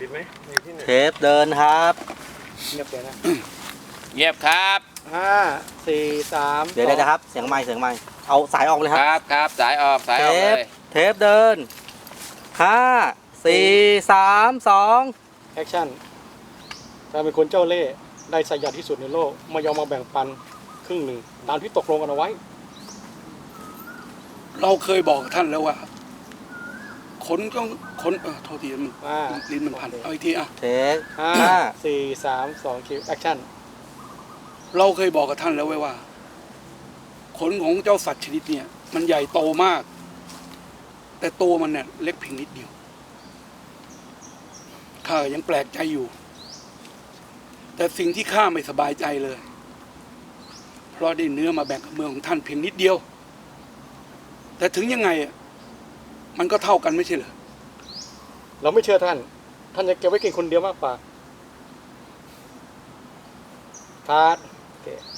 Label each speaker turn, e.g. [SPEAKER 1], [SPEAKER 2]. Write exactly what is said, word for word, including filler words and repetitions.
[SPEAKER 1] ปิดไหมมีที่ไหน
[SPEAKER 2] เทปเดินครับ
[SPEAKER 1] เงียบเลยนะ
[SPEAKER 3] เงียบครับ
[SPEAKER 1] ห้าสี่สาม
[SPEAKER 2] เดี๋ยวเดี๋ยวนะครับเสียงไม้เสียงไม้เอาสายออกเลยค
[SPEAKER 3] ครับ รับครับสายออกสาย
[SPEAKER 2] เท
[SPEAKER 3] ออกเล
[SPEAKER 2] ป
[SPEAKER 3] ย
[SPEAKER 2] เทปเดินห้าสี่สามสอง
[SPEAKER 1] แอคชั่นการเป็นคนเจ้าเล่ห์ได้สยัดที่สุดในโลกไม่ยอมมาแบ่งปันครึ่งหนึ่งตามที่ตกลงกันเอาไว้
[SPEAKER 4] เราเคยบอกกับท่านแล้วว่าขนต้องขนเออโทษทีมัน
[SPEAKER 1] อ่า
[SPEAKER 4] ลิ้นมันพันเอาอีกทีอ่ะ
[SPEAKER 2] เทป
[SPEAKER 1] ห้า
[SPEAKER 2] ห้า
[SPEAKER 1] สี่สามสองคิวแอคชั่น
[SPEAKER 4] เราเคยบอกกับท่านแล้วไว้ว่าขนของเจ้าสัตว์ชนิดเนี่ยมันใหญ่โตมาก แต่ตัวมันเนี่ยเล็กเพียงนิดเดียวข้ายังแปลกใจอยู่ แต่สิ่งที่ข้าไม่สบายใจเลย เพราะได้เนื้อมาแบ่งกับเมืองของท่านเพียงนิดเดียว แต่ถึงยังไงอ่ะมันก็เท่ากันไม่ใช่เหรอ
[SPEAKER 1] เราไม่เชื่อท่าน ท่านจะเก็บไว้กินคนเดียวมากกว่าคาร์ดโอเค